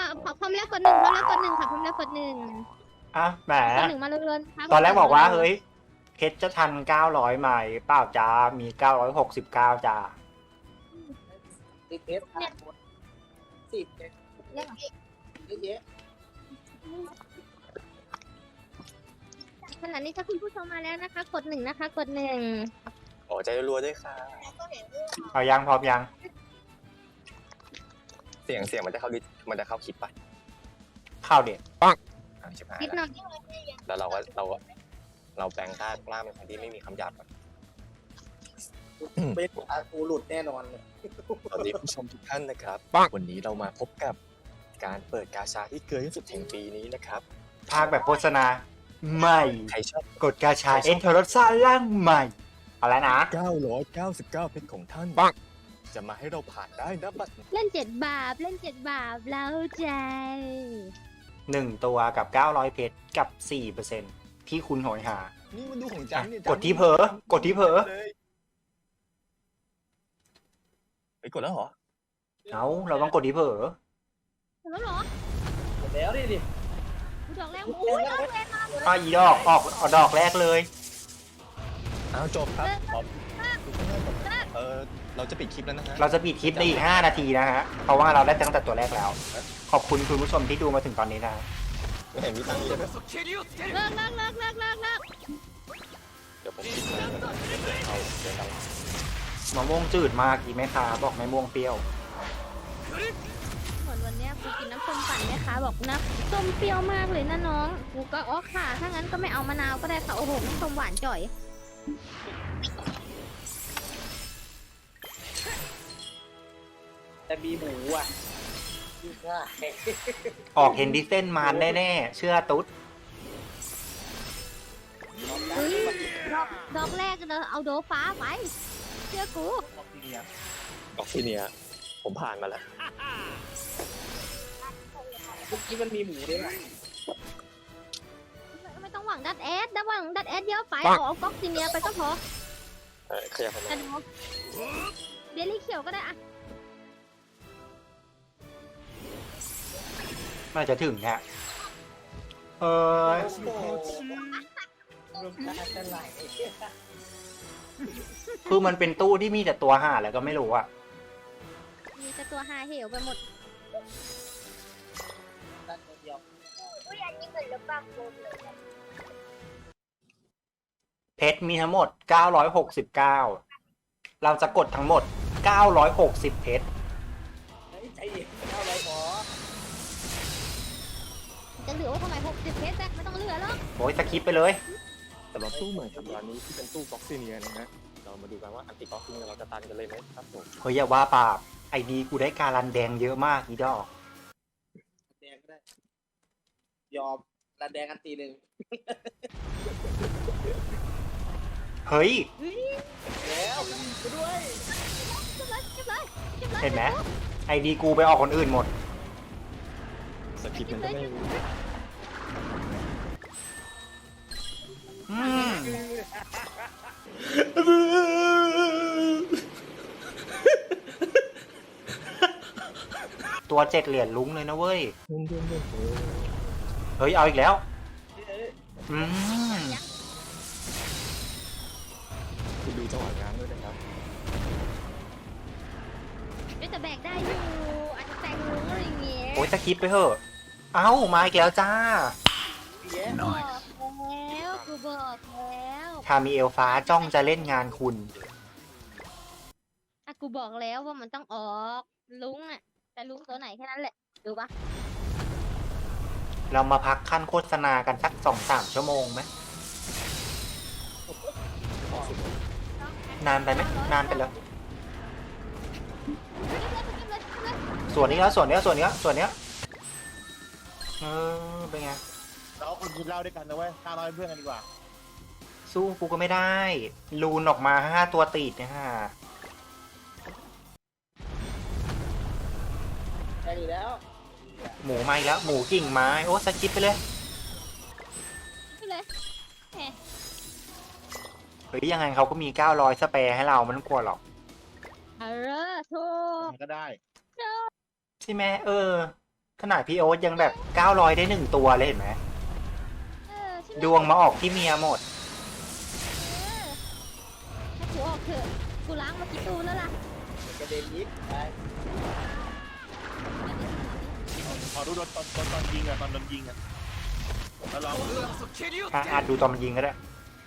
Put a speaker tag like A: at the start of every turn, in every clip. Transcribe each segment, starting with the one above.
A: พร้อมแล้วกดหนึ่งพร้อมแล้วกดหนึ่งค่ะพร้อมแล้วกดหนึ่ง
B: อ่ะแหม
A: กดหนึ่งมาเรื่อยๆครับ
B: ตอนแรกบอกว่าเฮ้ยเพชรจะทัน900ไหมเปล่าจ้ามี969จ้า
C: ติดเพชรสิบเนี่ยเยอะแยะ
A: ขณะนี้ถ้าคุณผู้ชมมาแล้วนะคะ กดหนึ่งนะคะ กดหนึ่ง
D: โอ้ใจรัวด้วยค่ะ
B: เอายังพร้อมยัง
D: เสียงมันจะเข้าคลิปไป
B: เข้าเด็ด
D: ชิบหาย
A: นิดห
D: แล้
A: น่
D: ว
A: อย
D: แล้วเราแปลงร่างเป็นคนที่ไม่มีคำหยาบก่อน
C: เป็นอากูหลุดแน่นอนเลย
D: สวัสดีผู้ชมทุกท่านนะครับวันนี้เรามาพบกับการเปิดกาชาที่เกินที่สุดแห่งปีนี้นะครับ
B: ภาคแบบโฆษณาใหม่
D: ใครชอบ
B: กดกาชาเอ็นโทรซ่าร่างใหม่เอาแล้วนะ
D: 999เพชรของท่านจะมาให้เราผ่านได้นะบัดนี้
A: เล่น7 บาปเล่น7 บาปเล้าใจ
B: 1 ตัวกับ900เพชรกับ 4% ที่คุณโหยหา
D: นี่มันดูของจันเนี่ย
B: กดที่เผลอกดที่เผลอ
D: ไปกดแล้วเหรอ
B: เอาเราต้องกดที่เผลอ
A: เห็นแล้วเหรอ
C: หมดแล้วดิ
A: ดูดอกแรกอุ้ยดอกแรกมา
B: ป้าอีดอกออกเอาดอกแรกเลย
D: อ้าวจบครับขอบเราจะปิดคลิปแล้วนะฮะ
B: เราจะปิดคลิปในอีก5 นาทีนะฮะ เพราะว่าเราได้ตั้งแต่ตัวแรกแล้ว ขอบคุณคุณผู้ชมที่ดูมาถึงตอนนี้นะ
D: ไม่เห็นมีตังค์เลย
A: เลิกเลิกเลิกเลิกเลิกเลิก
D: เดี๋ยวผมปิดเลยเอาเดี๋ยวเรา
B: มะม่วงจืดมากอีแม่ค้าบอกมะม่วงเปรี้ยว
A: เหมือนวันเนี้ยกูกินน้ำส้มปั่นไหมคะบอกนะส้มเปรี้ยวมากเลยนะน้องกูก็อ๋อค่ะ ถ้างั้นก็ไม่เอามะนาวก็ได้ค่ะโอ้โหน้ำส้มหวานจ่อย
C: แต่มีหมูอ่ะยิ่งง่าย
B: ออกเห็นดิเส้นมานแน่ๆ เชื่อตุ๊ด
A: เฮ้ยดอกแรกเราเอาโดฟ้าไปเชื่อกู
D: ออกที่เนี่ยผมผ่านมาแล้ว
C: เมื่อกี้มันมีหมูด้วยนะ
A: ไม่ต้องหวังดัดแอดถ้าหวังดัดแอดเยอะไปขอเอาก๊อกซีเนียไปก็พอ
D: ขยับเข้ามา
A: แต่ดูเบลลี่เขียวก็ได้อะ
B: น่าจะถึงฮะเออ
C: น้ำตาจะไหล
B: คือมันเป็นตู้ที่มีแต่ตัวห่าแล้วก็ไม่รู้อะ
A: มีแต่ตัวหาเหวไปหมด
C: ตัดตัวเดียว
B: เพชรมีทั้งหมด969เราจะกดทั้งหมด960เพชร
C: เฮ้ยใจเย็นเอาอะไรหมอ
A: จะเหลือว่าทำไม60เพชรไม่ต้องเหลือหรอก
B: โอ้ยสคิปไปเลย
D: สำหรับตู้ใหม่สัปดาห์นี้ที่เป็นตู้บ็อกซี่เนียนะฮะเรามาดูกันว่าอันติบ็อกซิ่งเราจะตันกันเลยไหมครับผม
B: เฮ้ยอย่าว่าปราบไอดีกูได้การันแดงเยอะมากอีดอก
C: แดงก็ได้ ยอมระแดงกันทีหนึ่ง
B: เฮ้ย
C: แล้วด้วย
A: เก็บเลยเก็บเลยเก็บเลย
B: เห็นไหมไอดีกูไปออกคนอื่นหมด
D: สคริปต์มันก็ไม่รู้
B: อืมตัว7 เหรียญลุ้งเลยนะเว้ย เฮ้ย เอาอีกแล้ว อืม
D: คุณดูจังหวะง้างด้วยนะครับ
A: แต่แบกได้อยู่อาจจะแตงมุ้งอะไรอย่างเงี้ย
B: โอ้ยสคิปไปเถอะ เอ้า มาอีกแล้วจ้า
C: แย่
A: บอกแล้วกูบอกแล้ว
B: คามีเอลฟ้าจ้องจะเล่นงานคุณ
A: อ่ะกูบอกแล้วว่ามันต้องออกลุงอ่ะแต่ลุงตัวไหนแค่นั้นแหละดูปะ
B: เรามาพักขั้นโฆษณากันสัก2-3 ชั่วโมงไหม นานไปไหม นานไปแล้ว ส่วนนี้แล้วส่วนเนี้ยส่วนเนี้ยส่วนเนี้ยเป็นไง
E: เราคนกินเหล้าด้วยกันนะเว้ย500เพื่อนกันดีกว่า
B: สู้กูก็ไม่ได้ ลูนออกมา5 ตัวติดนะฮะ
C: ได้อยู่แล้ว
B: หมูมาอีกแล้ว หมูกิ่งไม้ โอ้สกิปไปเลย
A: ไปเลย
B: เฮ้ยยังไงเขาก็มี900สเปร์ให้เรามันกลัวหรอก
A: เออถูก
E: มันก็ได้
B: ใช่ไหมขนาดพี่โอ๊ตยังแบบ900ได้1ตัวเลยเห็นไหม
A: ใช่ไหม
B: ดวงมาออกที่เมียหมด
A: ให้กูออกเถอะกูล้างมากี่ตู้แล้วล่ะ
C: กระเด็นยิบไป
E: ขอดูตอนยิงอะตอนโดนยิงอะแล้วลอง
B: อาจดูตอนมันยิงก็ได้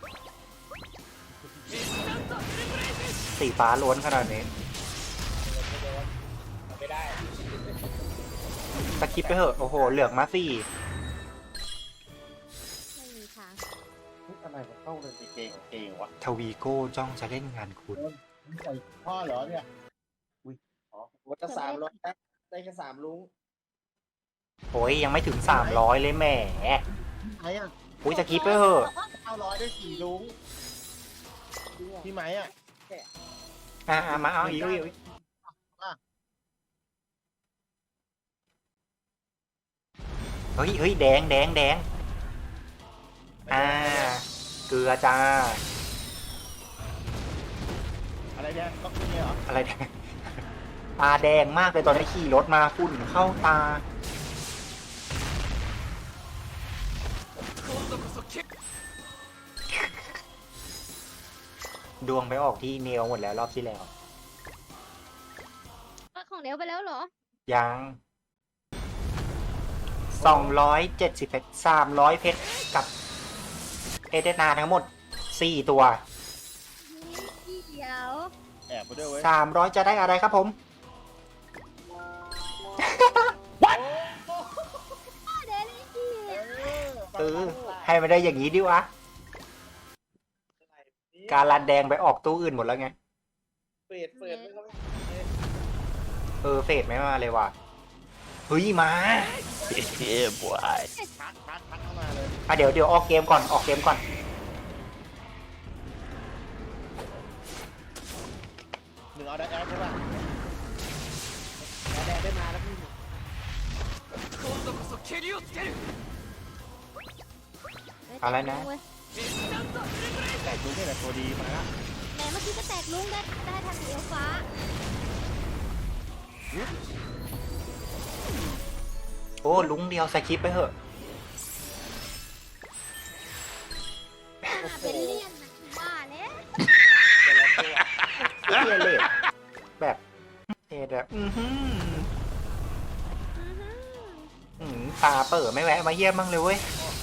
B: สีฟ้าล้วนขนาดนี้
C: ไม่ได้
B: สกิปไปเถอะ โอ้โห เหลืองมาสี่
A: ไม่มีทาง
E: อะไรมันเข้าเลยเก่งวะ
B: ทวีโก้จ้องจะเล่นงานคุณ
E: ใส่พ่อเหรอเนี่ย
C: วัต300ได้แค่3ลุง
B: โอ้ยยังไม่ถึง300เลยแหม
E: ไหนอ่ะ
B: อุ้ยสกิปไปเถอะ
E: 900ได้4ลุงพี่ไหมอ่ะ
B: มาเอาอีก เฮ้ยแดง เกลือจ้า
E: อะไรเนี่ยก็คือเนี่ยเหรอ
B: อะไรแดง ตาแดงมากเลยตอนนี้ขี่รถมาฝุ่นเข้าตา ดวงไปออกที่เนลหมดแล้วรอบที่แล้ว
A: ของเดี๋ยวไปแล้วเหรอ
B: ยัง270เพชร300เพชรกับเอเดนาทั้งหมด4ตัว
A: เดี๋ยว
E: แอบไปด้วยเว้ย
B: 300จะได้อะไรครับผม
A: เดลี่กี้
B: ให้มันได้อย่างนี้ดิวะ การลันแดงไปออกตู้อื่นหมดแล้วไง
C: เปิดไม่ก็ไม่
B: เฟดไม่มาเลยว่ะ เฮ้ยมา
E: พักเข้ามาเลย
B: เดี๋ยวออกเกมก่อนออกเกมก่อน
E: 1เอาได้แอดใช่ป่ะ
C: แดงได้มาแล้วพี่
B: อะไรนะ
E: แต่ดูนี่แหละตัวดีมาแล้ว
A: แต่เมื่อกี้ก็แตกลุงได้ทางเอลฟ้า
B: โอ้ลุงเดียวสกิปไปเถอะ
A: เป็นเลี่ยนนะว่าแล้ว
C: แต่ละตัว
B: เอเลดแบบแบบตาเปิดไม่แวะมาเยี่ยมบ้างเลยเว้ย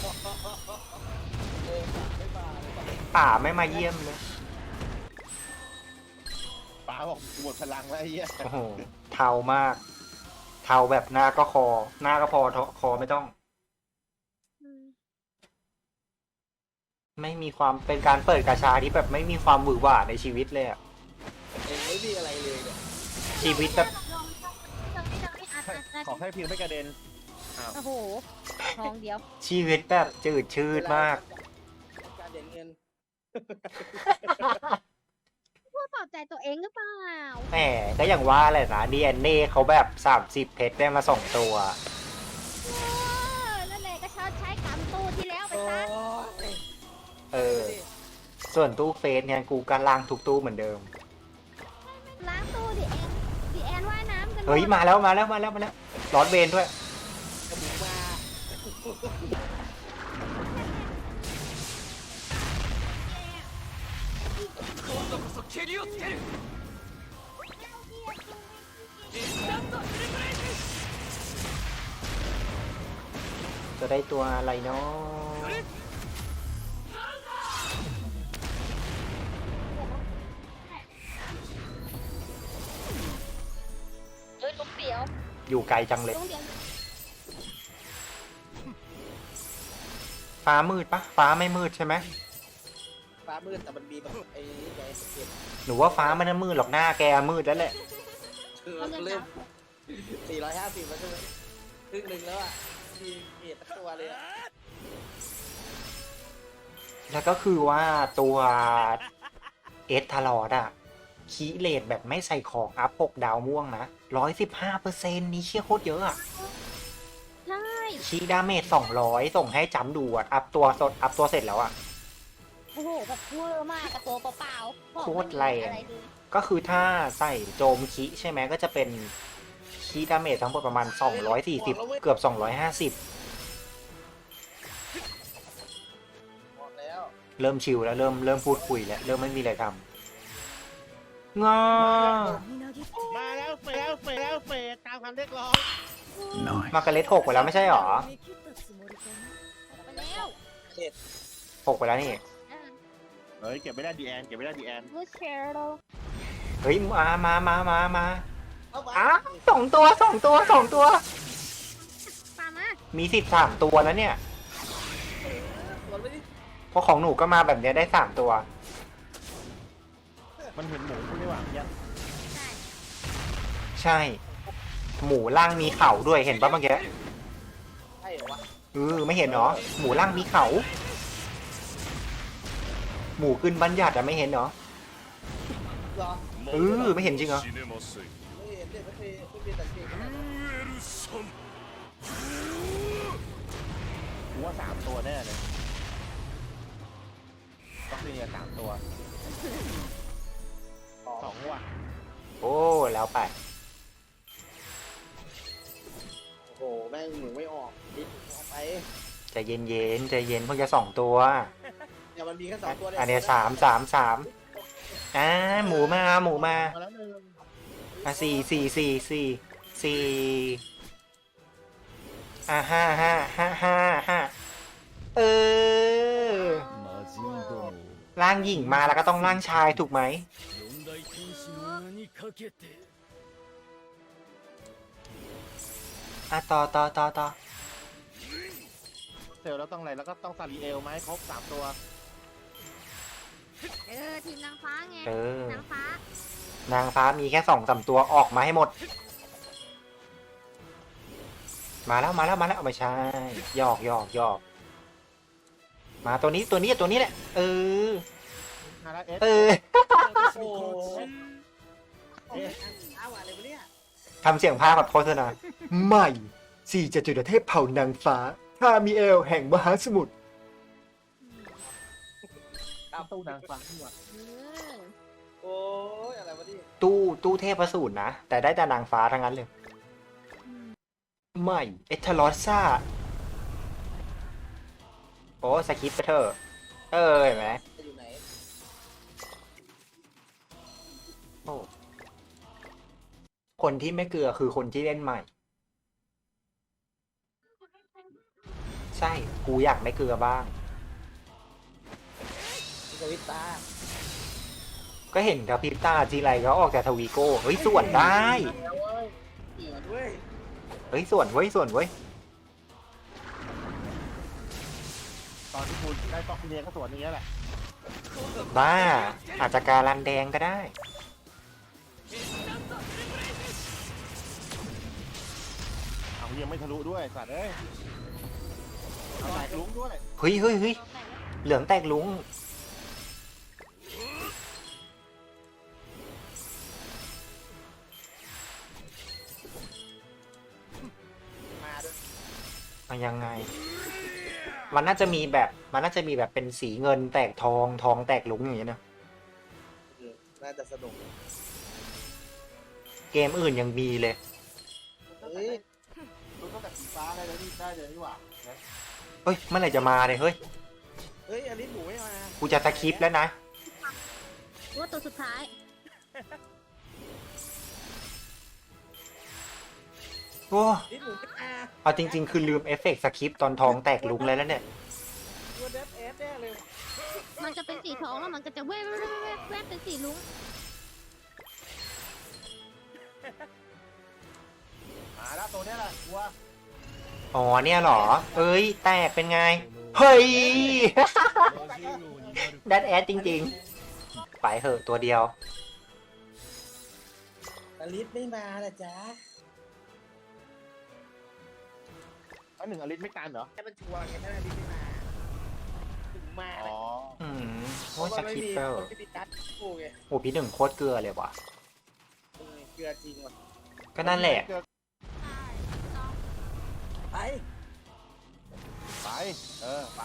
C: ไม่มาเลย
B: ป่าไม่มาเยี่ยมเลย
E: ป๋าบอกหมดพลังแล้วไอ้เหี้ย
B: โอ้โห เทามาก เทาแบบหน้าก็คอ หน้าก็พอคอไม่ต้อง ไม่มีความเป็นการเปิดกาชาที่แบบไม่มีความหวือหวาในชีวิตเลยอะ
C: เองไม่มีอะไรเลยเนี่ย
B: ชีวิตแบบ
E: ขอให้พิวไม่กระเด็น
A: โอ้โหทองเดียว
B: ชีวิตแบบจืดชืดมาก
C: การเด่นเงิน
A: พูดปลอบใจตัวเองหรือเปล่า
B: แหมก็อย่างว่าแหละนะ DNA เขาแบบ30เพชรได้มา2ตัว
A: นั่นแหละก็ชดใช้กรรมตู้ที่แล้วไป
C: โอ้
A: ซะ
C: ย
B: ส่วนตู้เฟสเนี่ยกูก็ล้างทุกตู้เหมือนเดิม
A: ล้างตู้ดิแอนว่ายน้ำกัน
B: เฮ้ยมาแล้วร้อนเวนด้วย
C: กระบุกมา
B: จะได้ตัวอะไรเนาะ
A: ลุงเดียว
B: อยู่ไกลจังเลย
A: ลุงเดียว
B: ฟ้ามืดปะฟ้าไม่มืดใช่ไหม
C: ฟ้ามืดแต่มันมีแบบไอ้ใหญ่สเก็ต
B: หนูว่าฟ้ามันไม่มืดหรอกหน้าแกมืดแล้วแหละ
C: เริ่ม450แล้วใช่ไหมครึ่งหนึ่งแล้วอ่ะมีเกียรติตัวเลยอ่ะ
B: แล้วก็คือว่าตัวเอสทารอดอะคีเลตแบบไม่ใส่ของอัพ6ดาวม่วงนะ115%นี้เชี่ยโคตรเยอะอะ
A: ใช่
B: คีดาเมจ200ส่งให้จำดูอะอัพตัวเสร็จแล้วอะ
A: โอ้โหแบบเวอร์มากกับตัวเปล่าๆ
B: โคตรแรง
A: อะไรดู
B: ก็คือถ้าใส่โจมคิใช่ไหมก็จะเป็นคีคีดาเมจทั้งหมดประมาณ 240 เกือบ 250
C: บอกแล้ว
B: เริ่มชิลแล้วเริ่มพูดคุยแล้วเริ่มไม่มีอะไรทำงอ
E: มาแล้วเฟตามคำเรียกร้อง
B: มาการ์เล็ต6ไปแล้วไม่ใช่หรอ
A: ไปแล้ว
B: 6ไปแล้วนี่
E: เฮ้ยเก็บไม่ได้ดีแอนเก็บไม่ได้ดีแอน
A: ลูกเชอร์โร
B: เฮ้ยมา
C: เอาไป
B: อ้า2 ตัว
A: ตามมา
B: มีสิทธิ์3 ตัวแล้วเนี่ย
C: สวนไปดิ
B: เพราะของหนูก็มาแบบเนี้ยได้3 ตัว
E: มันเห็นหมูคุณนี่หว่ายัน
A: ใช่
B: ใช่ หมูล่างมีเข่าด้วยเห็นปะเมื่อกี้
C: ใช่เหรอวะ
B: ไม่เห็นเหรอ หมูล่างมีเขา หมูขึ้นบัญญัติอะไม่เห็นเหรอ
C: เหรอ
B: ไม่เห็นจริงเหรอ
C: ไม่เห็นเด็กไม่เป็นแต่เก่งขนาดนั้น
E: กูว่า3 ตัวแน่เลยต้องมี3 ตัว2 ว่ะ
B: โอ้แล้วไป
C: โอ้โหแม่งหมูไม่ออกดิบออกไป
B: ใจเย็นเพิ่งจะ2 ตัว
C: เนี่ยมันมีแค่2 ตัวเนี่ย
B: อันเนี้ย3 หมูมา
E: มาแล้วหนึ่ง
B: 4 5 เออร่างหญิงมาแล้วก็ต้องร่างชายถูกไหมต่อ
E: เซลแล้วต้องอะไรแล้วก็ต้องซาริเอลไหมครบ3 ตัว
A: ทีมนางฟ้าไง นางฟ้า
B: นางฟ้ามีแค่2-3 ตัวออกมาให้หมด มาแล้วไม่ใช่หยอกมาตัวนี้แหละ
E: มาแล้วเอส
C: โอ้โหอ้าวอะไรวะเนี่ย
B: ทำเสียงภาคแบบโฆษณาใหม่4จตุรเทพเผ่านางฟ้าคามิเอลแห่งมหาสมุทร
E: ตามตู้นางฟ้าที่ว่า
C: โอ้ยอะไรวะเนี่ย
B: ตู้เทพสูตรนะ แต่ได้แต่นางฟ้าทั้งนั้นเลยใหม่เอทลอสซ่าโอ้สคิปไปเถอะเห็นไหม
C: จะอยู่ไหน
B: โอ้คนที่ไม่เกลือคือคนที่เล่นใหม่ ใช่กูอยากไม่เกลือบ้าง
C: สวิตตา
B: ก็เห็นกับพิตาจีไรเขาออกจากทวีโก้เฮ้ยส่วนได้
C: เหนือด้วย
B: เฮ้ยส่วนเว้ย
E: ตอนที่คุณได้ต้องเรียนก็สวนอย่างเงี้ยแหละ
B: บ้าอาจจะการันแดงก็ได้
E: เอายังไม่ทะลุด้วยสัตว์เอ้ยเอาแตกลุ้งด้วย
B: เฮ้ยเหลืองแตกลุง
C: มาด้วย
B: มันยังไง มันน่าจะมีแบบเป็นสีเงินแตกทองแตกลุงอย่างเงี้ยนะ
C: น่าจะสนุก
B: เกมอื่นยังมีเลย
C: เฮ้ย
E: ลุ้งต้องแต่สีฟ้าได้เลยนี่หว่า
B: เฮ้ยเมื่อไหร่จะมาเลยเฮ้ย
C: เฮ้ยอันนี้หมูไม่มา
B: กูจะสคริปต์แล้วนะ
A: ว่าตัวสุดท้าย
B: โอ้
C: นี่หมูไม่มา
B: เอาจริงๆคือลืมเอฟเฟกต์สคริปต์ตอนทองแตกลุงเลยแล้วเนี่ย
C: ตัวเดฟเอสแน่เลย
A: มันจะเป็นสีทองแล้วมันก็จะแวบเป็นสีลุ้ง
E: มาแล้วตัวเนี้ยแหละกูว่า
B: อ๋อเนี่ยเหรอ เอ้ยแตกเป็นไง เฮ้ย ดัดแอดจริงๆ ไปเหอะตัวเดียว
C: อลิสไม่มาละจ๊ะ
E: อันหนึ่งอลิสไม่กันเหรอ
C: แค่มันชัวร์ไงถ้าอลิสไม่มาถึงมา
E: อ๋อ
B: อืม
C: เพ
B: โอ้
C: ราะ
B: ย
C: ว่า
B: ส
C: ไม่
B: คริป
C: มี
B: เตอร์
C: คนที่มีการ์ดคู่ไง
B: โอ้พี่หนึ่งโคตรเกลือเลยว่ะ
C: เกลือจริงว่ะ
B: ก็นั่นแหละ
C: ไป
E: ไปไป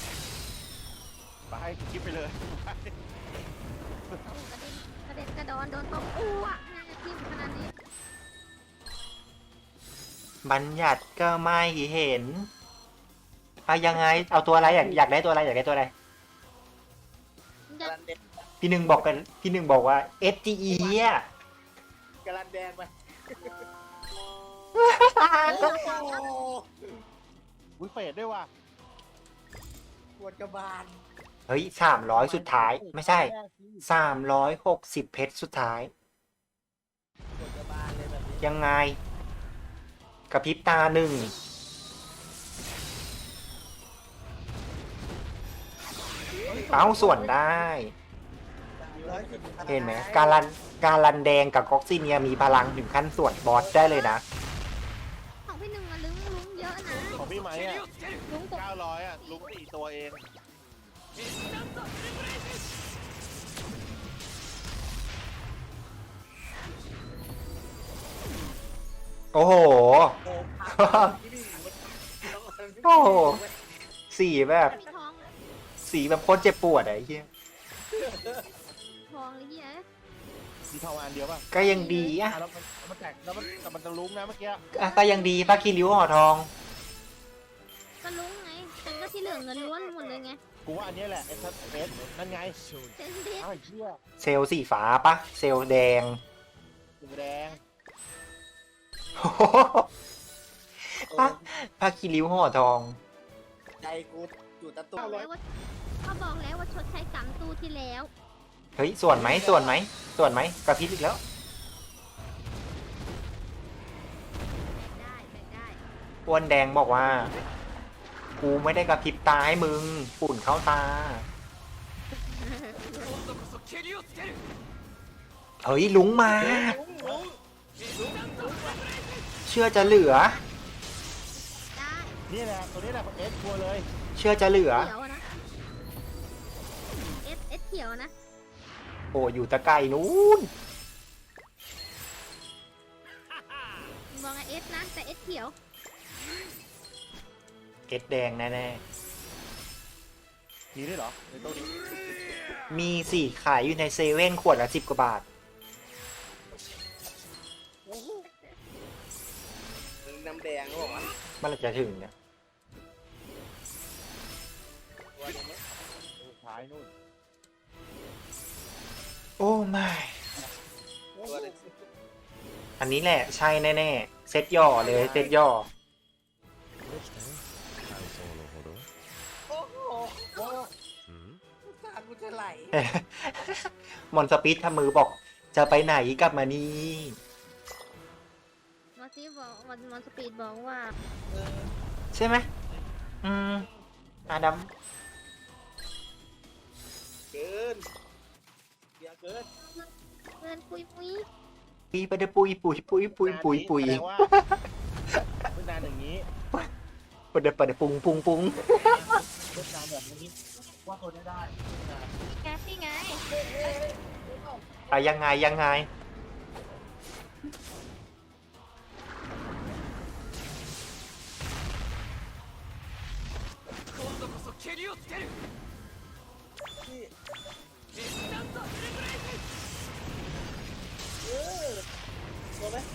E: คลิปไปเลย
A: กระเด็นกระดอนโดนตบอ้วกน่าจะทิ่มขนาดนี้
B: บัญญัติก็ไม่เห็นอะยังไง เอาตัวอะไรอยากได้ตัวอะไรอยากได้ตัวอะไร
C: กำลังแดง
B: พี่หนึ่งบอกว่า SGE อ่ะ
C: กำลังแดงไป
E: อุ้ยเฟดด้วยว่ะ
C: ปวดกระบาล
B: เฮ้ย300สุดท้าย ไม่ใช่360เพชรสุดท้าย
C: ปวดกระบาลเลยแบบนี้
B: ยังไงกระพริบตาหนึ่งเอ้าส่วนได้ เห็นไหมการันแดงกับก๊อกซิเนียมีพลังถึงขั้นส่วนบอสได้เลยนะ
A: ของพี่หนึ่งอะลุ้งเยอะนะ
E: ของพี่ไหมอ่ะ
A: ลุ้งกบ
E: 900อ่ะลุง4ตัวเอง
B: โอ้โห โอ้โห สีแบบ
A: มีทอง
B: สีแบบโคตรเจ็บปวดอะไอ้เหี้ย
A: ทองเลยเหี้ย
E: มีทองอันเดียวป่ะ
B: ก็ยังดีอะ
E: แล้วมันแตกแล้วมันจะลุ้งนะเมื่อกี้
B: ก็ยังดีป้าคีริ้วห่อทอง
A: ก็ลุ้งไงแต่ก็ที่เหลือเงินล้วนหมดเลยไง
E: กูว่าอันนี้แหละเอสนั่นไง
A: เซนดิ
E: อ้าวไอ้เหี้ย
B: เซลล์สีฟ้าปะเซลล์แดง
E: สีแดง
B: โอ้โหป้าคีริ้วห่อทอง
C: ใจกูอยู่ตะตุ่
A: บอกแล้วว่าเขาบอกแล้วว่าชดใช้กรรมตู้ที่แล้ว
B: เฮ้ย ส่วนไหมส่วนไหมส่วนไหมกระพริบอีกแล้ว
A: ได้ได้
B: อ้วนแดงบอกว่า กูไม่ได้กระพริบตาให้มึงฝุ่นเข้าตา เฮ้ย ลุงมา เชื่อจะเหลือ
A: ได้
E: นี่แหละตัวนี้แหละเอสชัวร์เลย
B: เชื่อจะเหลือ
A: เขียวอะนะเอสเขียวนะ
B: โอ้อยู่ตะไกลนู้น
A: มองเอสนะแต่เอสเขียว
B: เอ็ดแดงแน่
E: มีด้วยเหรอในตัวนี้
B: ๆ มีสี่ขายอยู่ในเซเว่นขวดละ10 กว่าบาท
C: น้ำแดงเขาบอกว่า
B: มันจะถึงเนี่ย
C: ตัวนี้ไหม
E: สุดท้ายนู่น
B: โอ้ไม่
C: ตัวนี้
B: อันนี้แหละใช่แน่ๆ เซตย่อเลยเซตย่อ
C: โอ้โหตากูจะไหล
B: มอนสปิดทำมือบอก จะไปไหนกลับมานี่
A: มาซีบอกมันสปีดบอกว่า
B: ใช่ไหมอาดัม
C: เกินเดี๋ยวเกิน
A: เงินปุย
B: ปีไปเดปุยปุยปุยปุยปุยปุย
E: แสดงว่าเพิ่งนานอย่างนี้
B: ไปเดไปเดปุงปุงปุง
E: เพิ่งนานแบบนี้ว่าตัวนี้ได้
A: แกซี่ไง
B: อะยังไงยังไง
C: ตัวไหม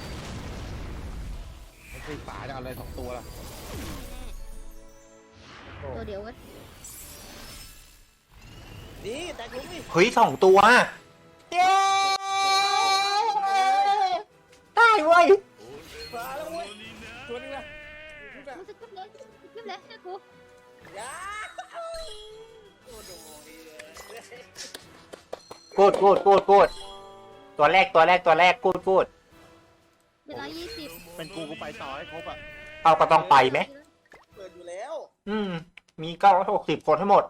E: มันคือฝาจะเอาอะไร2 ตัวล่ะ
A: ตัวเดียวกัน
C: นี่แต่กูนี่
B: เฮ้ย2 ตัว เย้ได้เว้ย
C: มาแล้วเว้ยตัวนี้นะ
A: กูสกิปเลยเชื่อกู
C: ยาโอ้โหดีเลย
B: กูดตัวแรกกูด
A: เป็น120
E: เป็นกูไปต่อให้ครบอ่ะ
B: เอาก็ต้องไปไหม
C: เปิดอยู่แล้ว
B: มี960คนทั้งหมด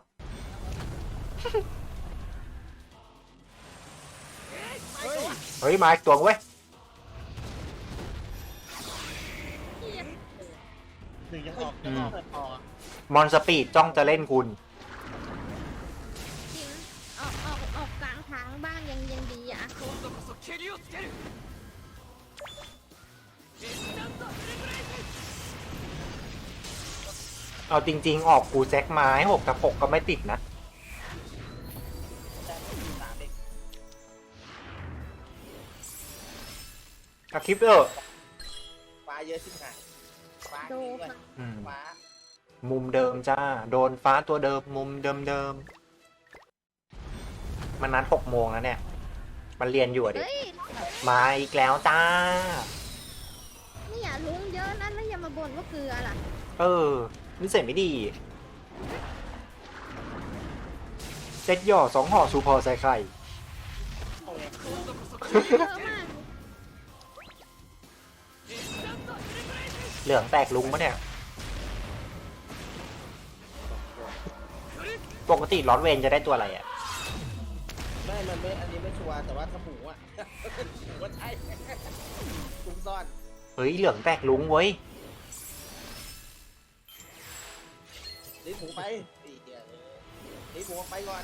B: เฮ้ย มาอีกตัวเว้ย
E: หนึ่งยังออกต่อ
B: มอนสปีดจ้องจะเล่นคุณ
A: จริงออกกลางทางบ้างยังดีอ่ะ
B: เอาจริง ๆ ออกกูแจ็คไม้6 กับ 6 ก็ไม่ติดนะ
C: แต่ไม่มี3เอง
B: กระคลิปเออ
C: ไปเยอะชิบหายฟ้า
A: โด
C: จริงด้วย
B: อืม
C: ฟ้า
B: มุมเดิมจ้า โดนฟ้าตัวเดิม มุมเดิมมันนัด6 โมงแล้วเนี่ย มันเรียนอยู่อะดิ
A: เฮ้ย
B: มาอีกแล้วจ้า
A: เนี่ยลุงเยอะนะแล้วอย่ามาบ่นว่าเกลือล่ะ
B: เออนิสัยไม่ดี เซ็ตหย่อ2 ห่อชูพอใส่ไข่
A: เยอะมาก
B: เหลืองแตกลุงปะเนี่ย ปกติลอตเวนจะได้ตัวอะไรอ่ะ
C: ไม่มันไม่อันนี้ไม่ชัวร์แต่ว่าถ้าหมูอ่ะ หมูว่าใช่ คุ้มซ่อน
B: เฮ้ย เหลืองแตกลุงเว้ย
C: รีบหมูไปตีเดียวรีบหมูออกไปก่อน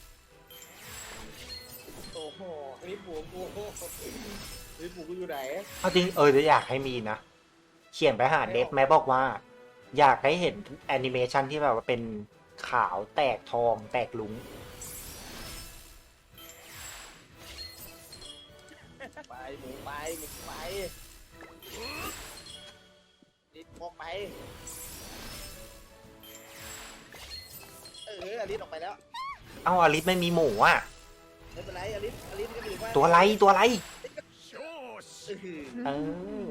C: โอ้โหรีบหมูกูรีบหมูกูอยู่ไหน
B: เอาจริงจะอยากให้มีนะ เขียนไปหาเดฟแม่บอกว่า อยากให้เห็นแอนิเมชันที่แบบว่าเป็นขาวแตกทองแตกลุง
C: ไปหมูไปหมูไปรีบออกไปอลิสออกไปแล้ว
B: เอ้าอลิสไม่มีหมูอ่ะ
C: ไม่เป็นไรอลิสก็อยู่ว่า
B: ตัวอะไรตัวอะไร
C: เออ
B: เออ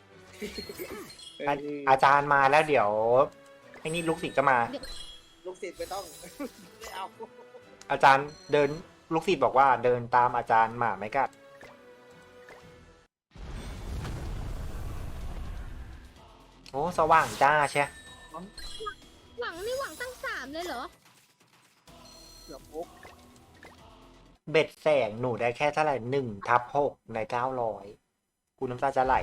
B: อาจารย์มาแล้วเดี๋ยวไอ้นี่ลูกศิษย์ก็มา
C: ลูกศิษย์ไม่ต้อง ไม่เอา
B: อาจารย์เดินลูกศิษย์บอกว่าเดินตามอาจารย์หมาไม่กัด โอ้สว่างจ้าใช่
A: หวังนี่หวังตั้ง3เลยเหรอ
C: เกือบปุ๊บ
B: เบ็ดแสงหนูได้แค่เท่าไหร่1/6ใน900กูน้ำตาจะไหล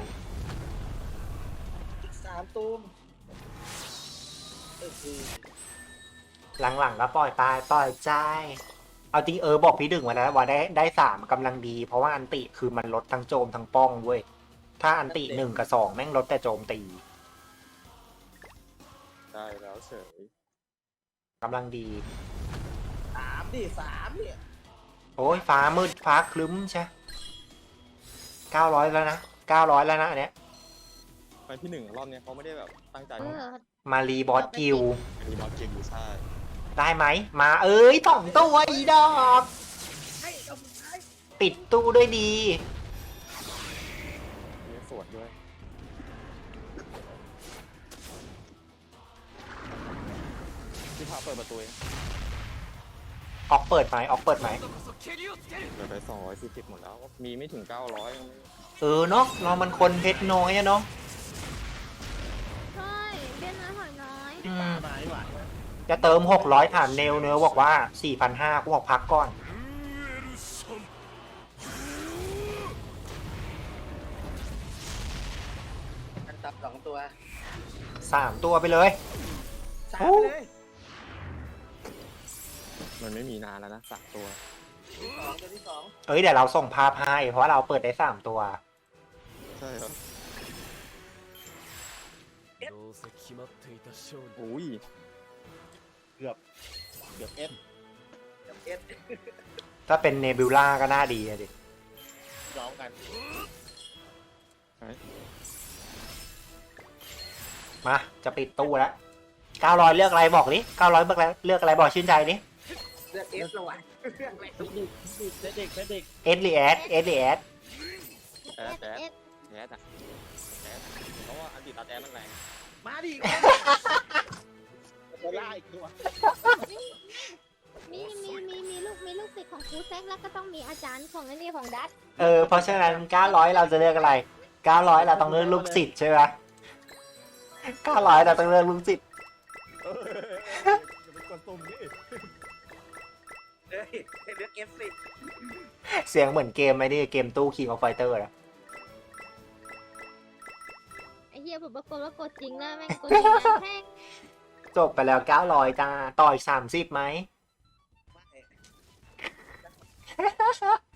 C: อีก3ตูมเออคือ
B: หลังๆก็ปล่อยปล่อยใจ เอาจริงบอกพี่ดึงมาแล้วว่าได้3กำลังดี เพราะว่าอันติคือมันลดทั้งโจมทั้งป้องเว้ย ถ้าอันติ1กับ2แม่งลดแต่โจมตี
D: ได้แล้วเฉย
B: กำลังดี
C: 3เนี่ย
B: โอ้ยฟ้ามืดฟ้าคลึ้มใช่900แล้วนะ900แล้วนะอันเนี้ย
D: ไปพี่หนึ่งรอบเนี้ยเขาไม่ได้แบบตั้งใจ
A: เอ
D: มา
A: อ
B: มารีบอสกิล
D: รีบอสเกมบูซ่า
B: ได้ไหม มา2 ตัวอีดอก
C: ให้เอาสุดท้าย
B: ปิดตู้ด้วยดี
D: มีสวดด้วยพี่พาเปิดประตูเอง
B: ออกเปิดไหมออกเปิดไหม
D: เหลือไป240หมดแล้ว มีไม่ถึง900ยังไม่
B: เนาะเรามันคนเพชรน้อยอะเนาะ
A: ใช่เบี้ยน้อยหอยน้อย
B: อืม
C: มาดีกว่า
B: จะเติม600ถามเนลเนื้อบอกว่า 4,500กูบอกพักก่อน
C: อันตับ2ตัว
B: 3 ตัวไปเลย
C: 3ไปเลย
D: มันไม่มีนานแล้วนะ3ตัว
C: ตัวที่
B: เดี๋ยวเราส่งภาพให้เพราะว่าเราเปิดได้3 ตัว
D: ใช่ครับ
F: どうせ決まっていた勝利
D: อุ้ย
C: เกือบเอส
B: ถ้าเป็นเนบิวล่าก็น่าดีอะดิ
C: ร้องกัน
B: มาจะปิดตู้แล้ว900เลือกอะไรบอกดิ900เลือกอะไรบอกชื่นใจดิ
C: เลือกเอสระหว่างเลือกอะไรเด็ก
B: เอสลีแอด
A: เอส
D: แอด
A: เอส
D: แอดแอดเพราะว่าอันติตาแต้มันแรง
C: มาดิจะล่าอีกตัว
A: มีลูกศิษย์ของครูแซกแล้วก็ต้องมีอาจารย์ของนี่ของดัต
B: เพราะฉะนั้น900เราจะเลือกอะไร900เราต้องเลือกลูกศิษย์ใช่ไหม900เราต้องเลือกลูกศิษย์
E: จะเป็นกวนตุ่มนี่
C: เฮ้ยเลือกเอฟสิ
B: เสียงเหมือนเกมไหมนี่เกมตู้King of Fighter นะ
A: ไอ้เหี้ยผมปรากฏว่ากดจริงนะแม่งกดจริงนะแม่ง
B: จบไปแล้ว900จ้าต่ออีก30ไหม
C: ไม่